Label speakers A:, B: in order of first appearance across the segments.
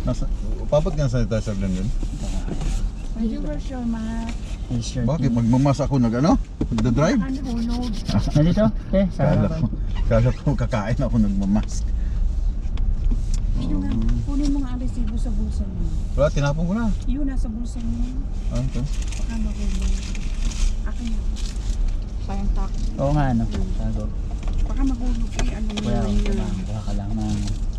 A: Nasa, papat nga sanitizer din yun.
B: Medyo version ma.
C: T-shirt.
A: Bakit? Magmamas ako nag-ano? Nagda-drive?
B: Ano hulog.
C: Nandito?
A: Kala
C: Sarap.
A: ko kakain ako nagmamask.
B: Yun nga, kunin mo nga ang resibo sa bulsa mo.
A: Wala, tinapon ko na.
B: Yun, nasa bulsa mo.
A: Ano to?
B: Baka mahulog. Akin na. Sayang tax.
C: Oo nga, ano. Tago.
B: Baka mahulog eh. Ano mo
C: Kuya,
B: yun.
C: kuha ka lang ng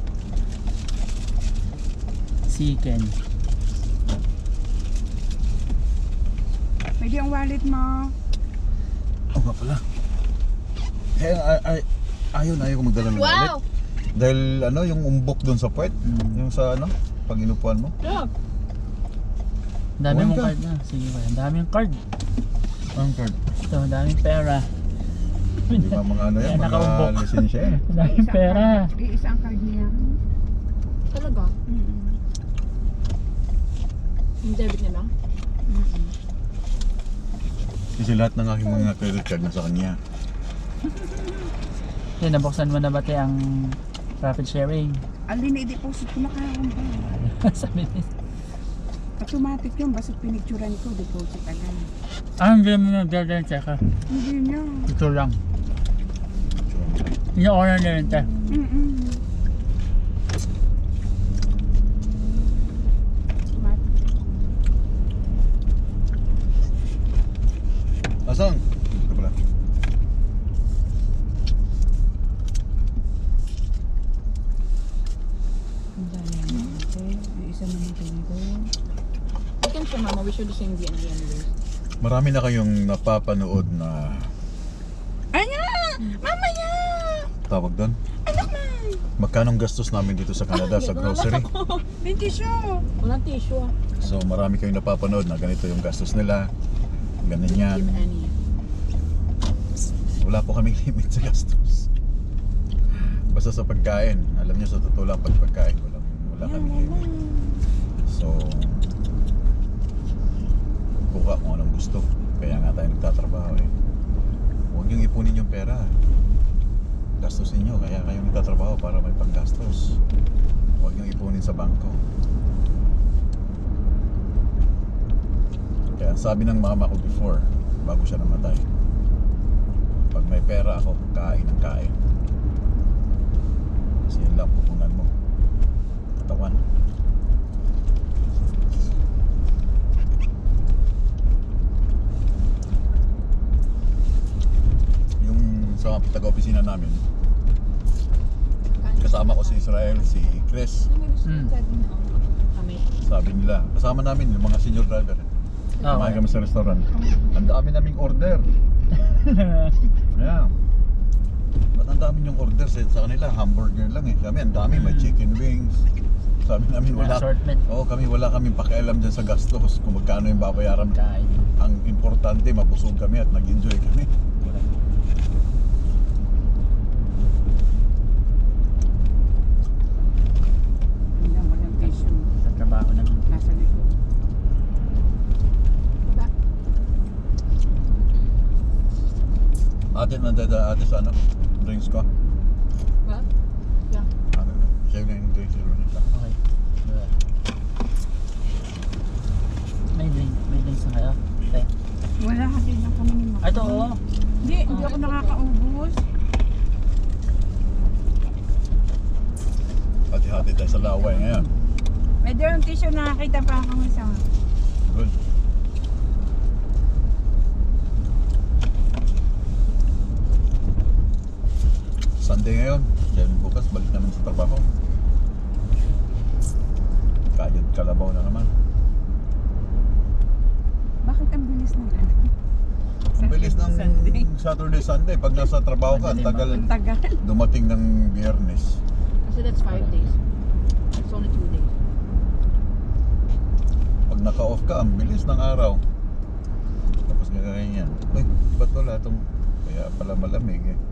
C: chicken.
B: Pwede ang wallet mo.
A: Oo nga pala. Ayaw ko magdala ng wallet. Dahil ano, yung umbok doon sa puwet. Yung sa ano, pag inupuan mo.
C: Ang dami
A: Kuha
C: mong
A: ka.
C: card na. Sige ba, ang daming card.
A: Ang card.
C: Ito, ang daming pera.
A: Hindi ba mga ano yan,
C: Yan,
A: mga
C: nakaumbok.
A: lisensya eh.
C: Ang daming pera.
B: Isang card niya.
D: Talaga? Yung debit nila?
A: Kasi lahat ng aking mga credit card nasa kanya.
C: Yan, nabuksan mo na ba tayo ang profit sharing?
B: Alin na i-deposit ko na kahapon ba?
C: Sabi niya.
B: Automatic yun. Basta pinicturan ko, deposit agad.
C: Hindi mo nagdadaan, teka.
B: Hindi niya.
C: Ito lang. Ina-order na rin, te.
A: Asang? Ito pala.
B: Isa naman ko.
D: We can share, Mama. We should sing the anyways.
A: Marami na kayong napapanood na
B: Anya! Mamaya!
A: tawag doon.
B: Anak na!
A: Magkanong gastos namin dito sa Canada sa grocery.
B: Hindi siya.
D: Walang tissue ah.
A: So marami kayong napapanood na ganito yung gastos nila. Ganun yan.
D: Give any.
A: Wala po kaming limit sa gastos. Basta sa pagkain. Alam niyo sa totoo lang pag pagkain. Wala kaming limit. So kuha kung anong gusto. Kaya nga tayo nagtatrabaho eh. Huwag niyong ipunin yung pera. Gastos ninyo. Kaya kayo nagtatrabaho para may panggastos. Huwag niyong ipunin sa bangko. Kaya sabi ng mama ko before, bago siya namatay, pag may pera ako, kain ng kain. Kasi yun lang pupunan mo. Katawan. Yung sa taga-opisina namin, kasama ko si Israel, si Chris.
D: Kami.
A: Sabi nila, kasama namin yung mga senior driver. Kumain kami sa restaurant. Ang dami naming order. Yeah. Ba't ang dami yung order sa kanila? Hamburger lang eh. Kami ang dami, may chicken wings. Sabi namin wala.
C: Assortment.
A: Oo, wala kaming pakialam dyan sa gastos kung magkano yung babayaran.
C: Kain.
A: Ang importante, mabusog kami at nag-enjoy kami.
B: Walang tissue.
C: Sa trabaho naman.
B: Nasa likod.
D: Baba.
A: Ate sa ano? Drinks ko?
D: What? Yeah.
A: Ano? Siya yung drinks ko rin.
C: Okay. May drinks na kayo? Okay.
B: Wala kasi lang kami ni Mama.
C: Ito, oo.
B: Hindi ako nakakaubos.
A: Hati-hati tayo sa laway ngayon.
B: Medyo yung tissue nakakita pa ako isa.
A: Good. Sunday ngayon. Dahil bukas balik naman sa trabaho. Kayod kalabaw na naman.
B: Bakit ang bilis ng ano?
A: Ang bilis ng
B: Sunday.
A: Saturday, Sunday. Pag nasa trabaho ka, ang tagal
B: Ang tagal.
A: dumating ng Biyernes.
D: Kasi that's 5 days. It's only 2 days.
A: Pag naka-off ka, ang bilis ng araw. Tapos ganyan yan. Uy, ba't wala itong... Kaya pala malamig eh.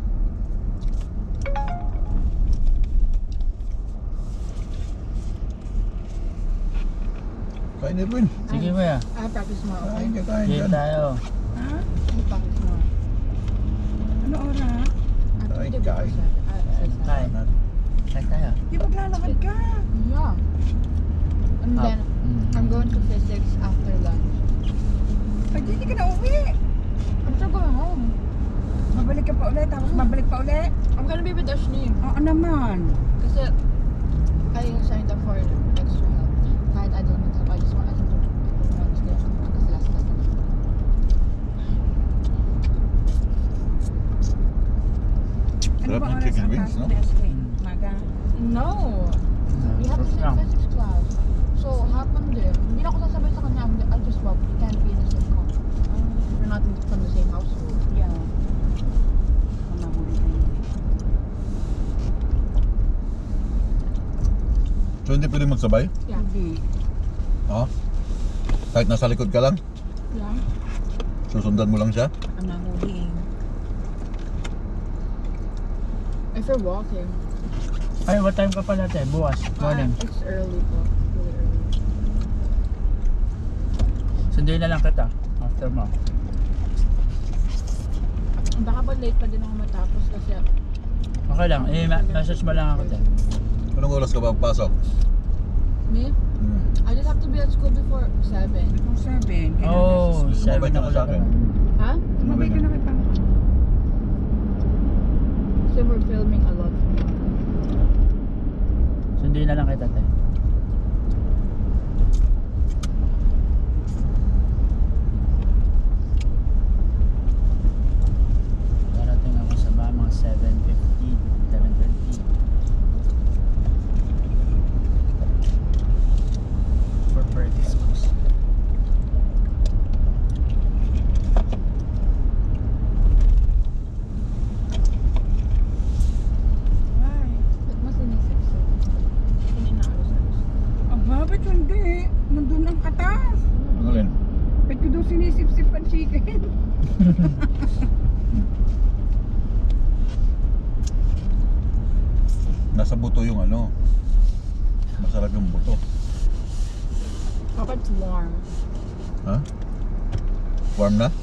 A: Kain Erwin.
C: Sige ba?
D: I practice tomorrow.
A: Kain ka, kain
C: Game
A: dyan.
C: tayo.
B: Ha?
D: I practice tomorrow.
B: Ano oras?
A: Kain,
D: I
A: kain.
C: Kain. Saan tayo?
B: Di maglalakad ka.
D: Yeah. And then, I'm going to physics after lunch.
B: Ay, di ka na uwi.
D: I'm still going home.
B: Babalik ka pa ulit, tapos babalik pa ulit.
D: I'm gonna be with Ashley.
B: Oo naman.
D: Kasi, I signed up for extra help. Kahit I don't need help, I just want to Wednesday. Kasi last class na.
A: Sarap ng
B: oras
A: chicken
B: ang
A: wings,
B: pasok
A: no?
B: ni Ashley? Maga.
D: No! We have the
C: First
D: same
C: round.
D: physics class. So, happened din. Hindi na ako sasabay sa kanya. I just walk. We can't be in the same car. We're not from the same household.
B: Yeah. Mamahuli kayo.
A: So hindi pwede magsabay?
D: Yeah.
B: Hindi.
A: Ha? Kahit nasa likod ka lang?
D: Yeah.
A: Susundan mo lang siya?
B: Ang nahuli.
D: If you're walking.
C: Ay, what time ka pala tayo? Bukas, morning.
D: It's early po. Really early.
C: Sunduin na lang kita. After mo.
D: Baka pa late pa din ako matapos kasi
C: Okay lang. Message mo lang ako tayo.
A: Anong oras ka ba papasok?
D: me, I just have to be at school before 7.
B: Kung 7.
C: Oh, 7
A: Sumabay ka
C: ako
A: na sa
C: lang.
A: akin.
D: Ha?
B: Tumabay ka na kay Papa.
D: So we're filming a lot.
C: Sunduin na lang kita tayo. Darating ako sa mga 7:15, 7:20. For practice course.
B: Why?
D: Ba't mas inisip-sip? Hindi inaalos-alos.
B: Aba, ba't hindi? Nandun ang katas.
A: Ano rin?
B: Ba't ko daw sinisip-sip ang chicken?
A: Nasa buto yung ano. Masarap yung buto.
D: Papa, it's warm.
A: Ha? Warm na?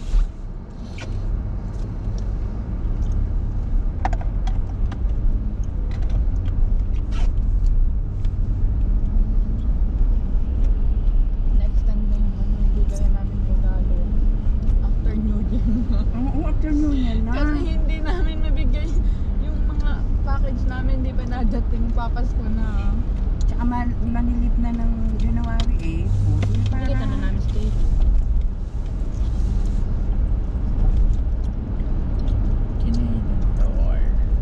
D: Next time na yung bigayan namin regalo. After New Year na.
B: Oo, afternoon yan na.
D: Kasi hindi namin nabigay yung mga package namin, hindi pa nadating, papasko na.
B: Tsaka manilip na ng January 8. Pwede para.
D: Nakikita na namin stage.
C: Canadian Tower.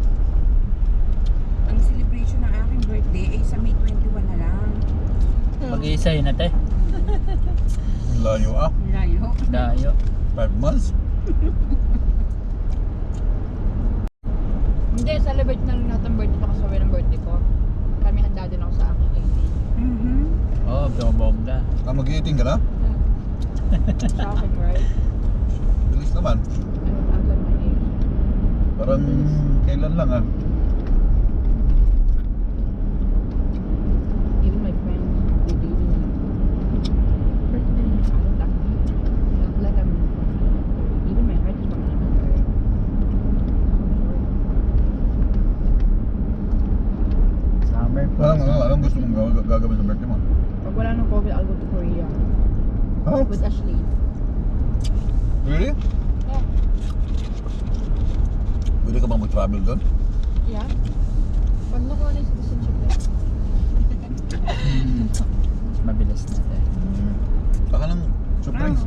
B: Ang celebration ng aking birthday ay sa May 21 na lang.
C: Mag-iisa yun natin.
A: Layo ah.
B: Layo.
C: Dayo.
A: 5 months?
D: Hindi, celebrate na lang natin birthday pa kasawin ng birthday ko. Kami handa din ako sa aking 18.
B: Mhm.
C: Oh, bongga.
A: Ah, mag-eating ka na?
D: Shocking, right?
A: Bilis naman.
D: I'm like my age.
A: Parang kailan lang ah.
D: Even my friends who dating me. Birthday. I don't act like I'm. Even my heart is from another.
C: Summer po.
A: Anong gusto mong gagawin sa birthday mo?
D: Pag wala nang COVID, I'll go to Korea.
A: Ha?
D: With Ashley.
A: Really?
D: Yeah.
A: Pwede ka bang mag-travel doon?
D: Yeah. Pag nakuha na yung citizenship eh.
C: Mas mabilis natin.
A: Baka lang surprise.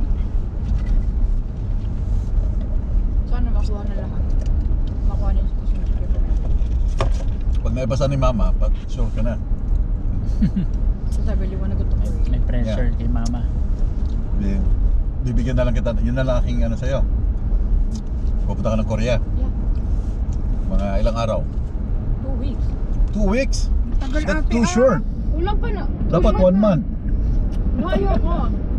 D: Sana makuha na lahat. Makuha na yung citizenship na.
A: Pag naibasa ni mama, sure ka na.
D: So I really wanna go to Korea.
C: May pressure kay mama.
A: Bibigyan na lang kita. Yun na lang aking ano sa'yo. Pupunta ka ng Korea.
D: Yeah.
A: Mga ilang araw?
D: 2 weeks.
A: 2 weeks?
B: Tagal
A: That's
B: ate
A: too
B: ah.
A: short.
D: Kulang pa na.
A: Dapat 1 month.
D: No, ayoko.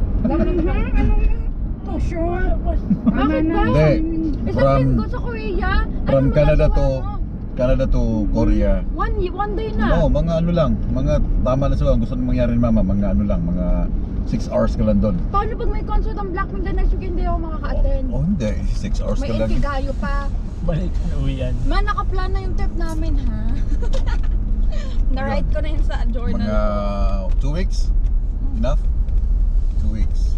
B: To short.
D: Bakit ba?
A: Hindi.
D: Isang
A: From
D: linggo sa Korea.
A: from
D: Ano
A: Canada
D: magagawa mo?
A: Canada to Korea.
D: One day na.
A: No, mga ano lang. Mga tama na sila. Ang gusto nang mangyari ni mama. Mga ano lang. Mga 6 hours ka lang doon.
D: Paano pag may concert ang Blackpink the next week hindi ako makaka-attend?
A: Oh, hindi. 6 hours
D: May
A: ka lang.
D: Inkigayo pa.
C: Balik ka na uwian.
D: Man, nakaplan na yung trip namin, ha?
B: Na-write ko na yun sa journal.
A: Mga 2 weeks? Enough? 2 weeks.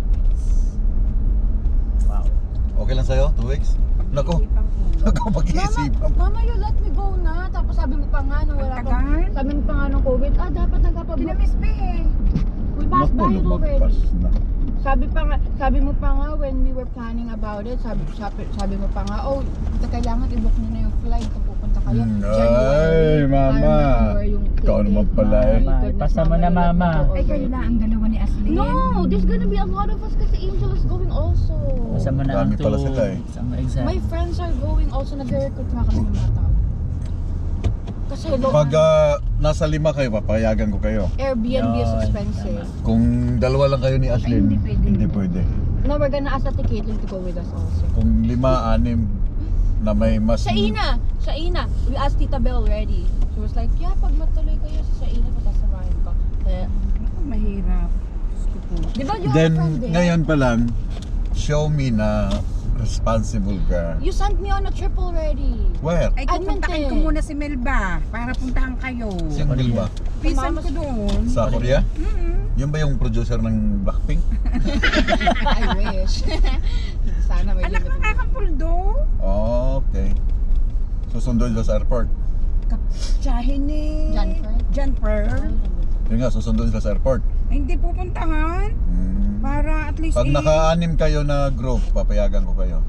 C: Wow.
A: Okay lang sa'yo? 2 weeks? Nako, nako mag-iisipan.
D: Mama, you let me go na. Tapos sabi mo pa nga nung wala pa.
B: Tagal.
D: Sabi mo pa nga nung COVID, dapat nagpapabook.
B: Kinamiss pa eh.
D: We passed by it already.
A: Magpas na.
D: Sabi mo pa nga when we were planning about it, sabi mo pa nga, kailangan i-book niyo na yung flight kung pupunta kayo.
A: Ay, mama. Ikaw naman pala eh.
C: Mama, ipasa mo na, mama.
B: Ay, kayo lang ang dalawa ni Aslyn.
D: No, there's gonna be a lot of us kasi Angel is going also.
C: Basta mo na ang
A: Dami pala
C: 2
A: sila eh.
C: weeks ang exam.
D: My friends are going also, nag-recruit nga kami ng mga tao. Kasi
A: Pag nasa 5 kayo, papayagan ko kayo.
D: Airbnb is
C: Yun,
D: expensive.
C: tama.
A: Kung dalawa lang kayo ni Ashlyn,
B: hindi pwede.
A: hindi pwede.
D: No, we're gonna ask Ate Caitlin to go with us also.
A: Kung 5, 6 na may mas...
D: Sa Ina, we asked Tita Belle already. She was like, yeah, pag matuloy kayo sa Ina, patasamahin ko. Eh,
B: Mahirap. Diyos ko po.
D: di ba you
A: Then,
D: have a friend there?
A: ngayon pa lang, show me na responsible ka.
D: You sent me on a trip already.
A: Where?
B: Ay, pupuntakin ko muna si Melba para puntahan kayo.
A: Siyang Bill ba?
B: Pisan ko doon.
A: Sa Korea?
B: Mm-mm.
A: Yun ba yung producer ng Blackpink?
D: I wish. Sana may
B: Anak
D: limit.
B: ng kakampuldo.
A: Okay. Susunduin sila sa airport.
B: Kaptsahin ni
D: Jennifer?
B: John Pearl.
A: Yun nga, susunduin sila sa airport.
B: Ay, hindi pupuntahan. Para at least
A: Pag naka-anim kayo na group, papayagan ko kayo.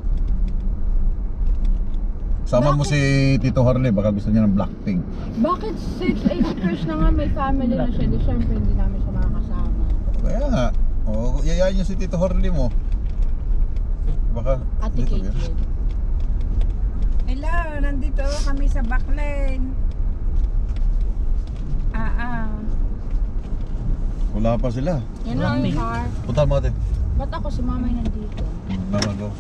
A: Sama mo si Tito Harley, baka gusto niya ng Blackpink.
D: Bakit 6-8 years na nga may family na siya? Di syempre hindi namin siya makakasama.
A: Kaya nga, yayain niyo si Tito Harley mo. Baka
D: Ate
A: dito
D: Caitlin.
A: yun.
B: Hello, nandito kami sa Backlane.
A: Wala pa sila.
D: Yan lang yung car.
A: Punta mo ate.
D: Ba't ako si mama yung nandito?
A: Mama, go.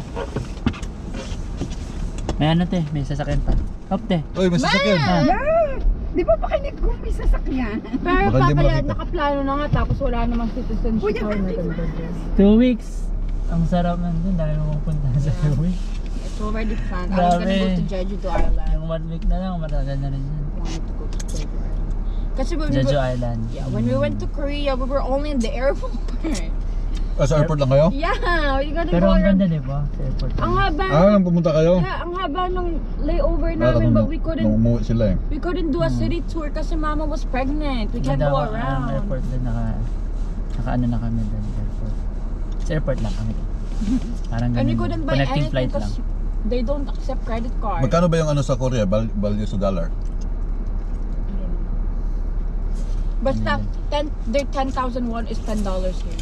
C: May ano te, may sasakyan pa. Hop te.
A: Uy, may sasakyan.
C: Ah.
B: Yeah! Di ba pakinig ko may sasakyan?
D: Pero
A: Baka hindi mo
D: kaya
A: nakita.
D: nakaplano na nga tapos wala namang citizenship.
B: Kuya,
D: or
B: ate,
D: maganda.
C: 2 weeks. Ang sarap nandun, dahil mo punta sa 2 weeks.
D: It's already planned. I was gonna go to
C: Grabe.
D: Jeju Island.
C: Yung 1 week na lang, matagal na rin yun.
D: I wanted to go to Jeju Island. Kasi when we
C: Jeju
D: were,
C: Island.
D: when we went to Korea, we were only in the airport.
A: Sa airport lang kayo?
D: Yeah, we gotta
C: Pero
D: go
C: ang
D: around.
C: ganda di ba? Sa airport.
D: Ang haba.
A: Nang pumunta kayo?
D: Yeah, ang haba ng layover
A: Para
D: namin,
A: nung-
D: but we
A: nung
D: couldn't
A: umuwi sila eh.
D: do a city tour kasi mama was pregnant. We can't
C: Ganda
D: go
C: ang
D: around.
C: airport din, naka ano na kami doon airport. Sa airport lang kami. Parang
D: And we
C: ganun.
D: couldn't buy
C: Connecting
D: anything
C: flight lang.
D: because they don't accept credit card.
A: Magkano ba yung ano sa Korea? Value sa dollar?
D: Basta, their 10,000 won is $10 here.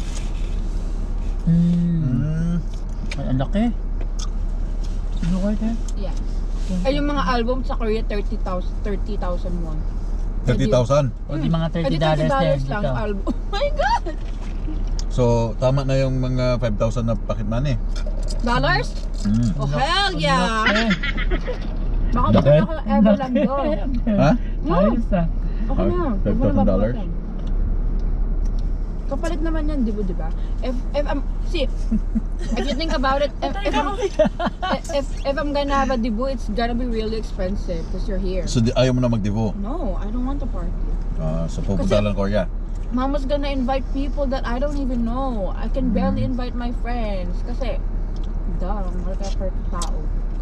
C: Ay, ang laki. Sino kayo tayo?
D: Yes. Ay, yung mga album sa Korea, 30,000 won.
A: 30,000?
C: O di mga
D: Ay, di
C: $30 din
D: lang
C: dito.
D: album. Oh my God!
A: So, tama na yung mga 5,000 na pocket money.
D: Dollars? Oh, hell
C: Ang
D: yeah!
C: laki.
D: Baka
A: Laki?
D: baka ever lang doon.
A: Ha?
C: Ayos ah.
D: Okay na.
A: Ah,
D: Huwag mo na
A: $5,000?
D: babawasan. Kapalit naman yan, di ba? If you think about it, if I'm gonna have a debut, it's gonna be really expensive because you're here.
A: So, ayaw mo na mag-devo?
D: No, I don't want to party.
A: So, pupunta
D: Kasi-
A: lang Korea.
D: Mama's gonna invite people that I don't even know. I can barely invite my friends kasi malaka-hurt tao.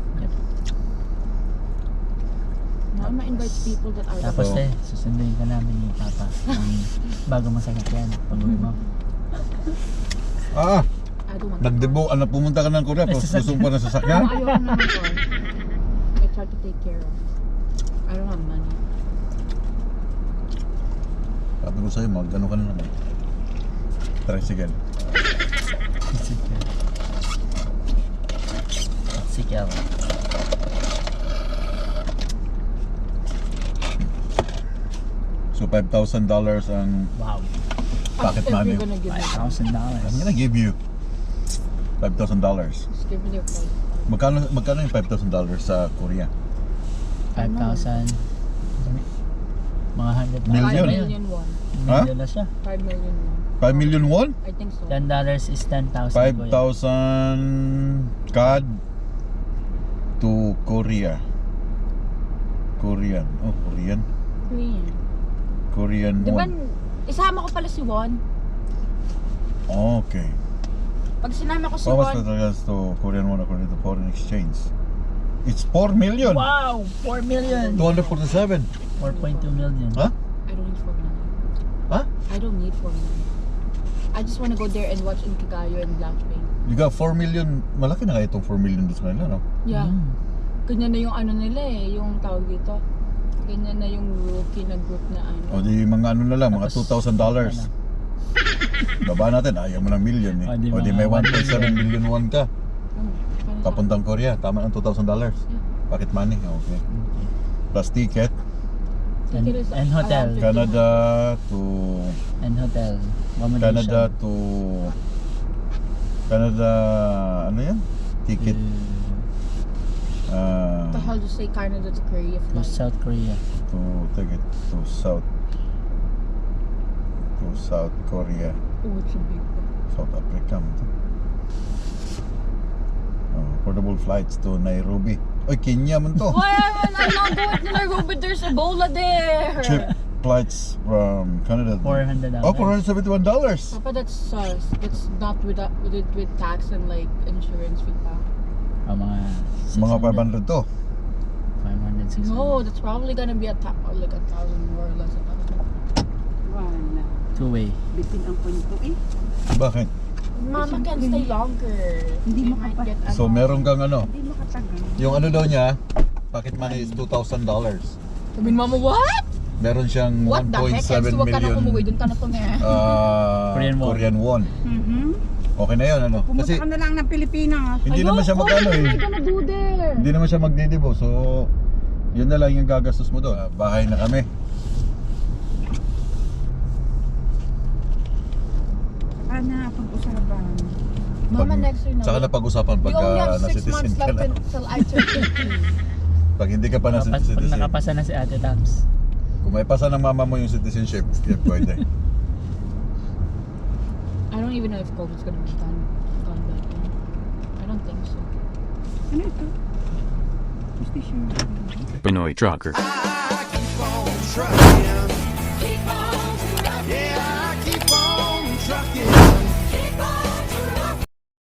D: Mama invites people that I don't
C: Tapos
A: So-
C: eh, susunduin ka namin ni Papa ng bago masakyan pag uwi mo.
A: Ah,
D: I don't want to
A: nag-devo, pumunta ka ng Korea,
C: May
A: tapos
C: sasakyan.
A: susong pa ng
D: party.
A: sasakyan?
D: Ayoko na ng car. It's hard to take care of. I don't have money.
A: Sabi ko sa'yo, mag-ano ka na naman. Tricycle.
C: Sige ako.
A: So, $5,000 ang
C: Wow.
A: pocket
D: As if
A: money.
D: you're gonna give me that.
C: $5,000.
A: I'm gonna give you $5,000.
D: Just give me your phone.
A: Magkano yung $5,000 sa Korea?
C: 5,000. Mga 100
A: Million?
D: 5 million won.
A: Ha?
C: Million na siya.
D: 5 million won.
A: 5 million won?
D: I think so.
C: $10 is 10,000.
A: 5,000 CAD to Korea. Korean. Oh, Korean.
D: Korean.
A: Korean
D: Di ba,
A: won.
D: isama ko pala si Won.
A: Okay.
D: Pag sinama ko si
A: How much
D: Won,
A: with regards to Korean won according to foreign exchange? It's 4 million.
C: Wow! 4 million!
A: 247.
C: 4.2 million.
A: Huh?
D: I don't need 4 million.
A: Huh?
D: I don't need 4 million. I just wanna go there and watch Inkigayo and Blackpink.
A: You got 4 million. Malaki na kaya itong 4 million doon sa kanila, no?
D: Yeah.
C: Mm.
D: Ganyan na yung ano nila eh, yung tawag dito. Ganyan na yung rookie na group na ano.
A: O di mga ano na lang, mga
C: Tapos,
A: $2,000. Baba natin, ayaw mo ng million eh. O di may 1.7 million won ka.
D: Paano sa-
A: Papuntang Korea, tama ng $2,000. Pocket money, okay. Plus ticket,
D: Ticket is
C: And hotel.
D: around 50
A: Canada to
C: And hotel. Accommodation.
A: Canada to Canada, ano yan? Ticket.
D: What the hell do you say Canada to Korea
C: To
D: flight?
C: South Korea.
A: To ticket to South Korea,
D: Oh, it's a big one.
A: South Africa. Portable flights to Nairobi. Oy, Kenya man to.
D: Why am I not going to Nairobi? There's Ebola there.
A: Cheap flights from Canada.
C: $400.
A: Oh, $471.
D: Papa, that's sus. That's not with tax and like insurance fee pa.
C: Oh, mga
A: Mga
C: 600.
A: 500 to.
C: 500, 600.
D: No, that's probably gonna be like 1,000 more or less.
B: Wala.
C: Two-way.
B: Bitin ang kwento eh.
A: Bakit?
D: Mama can stay longer.
B: Hindi
D: We
B: mo
D: might
B: kapat-
D: get
A: So meron kang ano,
B: Hindi makatagal.
A: yung ano daw niya, pocket money is $2,000.
D: Sabihin mama, what?
A: Meron siyang
D: What the heck?
A: 1.7
D: Huwag ka na kumuwi.
A: million
D: Doon ka na tumingin.
C: Korean won.
B: Mhm.
A: Okay na yun, ano?
B: Pumunta
A: Kasi
B: ka na lang ng Pilipinas.
A: hindi naman siya magkano
D: What am I
A: eh.
D: gonna do there?
A: Hindi naman siya magdidibo. So, yun na lang yung gagastos mo doon. Bahay na kami.
B: Saka na pag-usapan.
D: Mama, next year na.
A: Saka na pag-usapan
D: We
A: pag
D: only have 6
A: na-citizen
D: months
A: ka
D: left
A: na.
D: until I turn 50.
A: Pag hindi ka pa
C: Pag
A: na-citizen.
C: nakapasa na si Ate Tams.
A: Kung may pasa ng mama mo yung citizenship, yeah, pwede.
D: I don't even know if COVID's gonna be gone by then. I don't think so.
B: Ano ito? Station.
E: Pinoy Trucker.
F: I keep on trucking.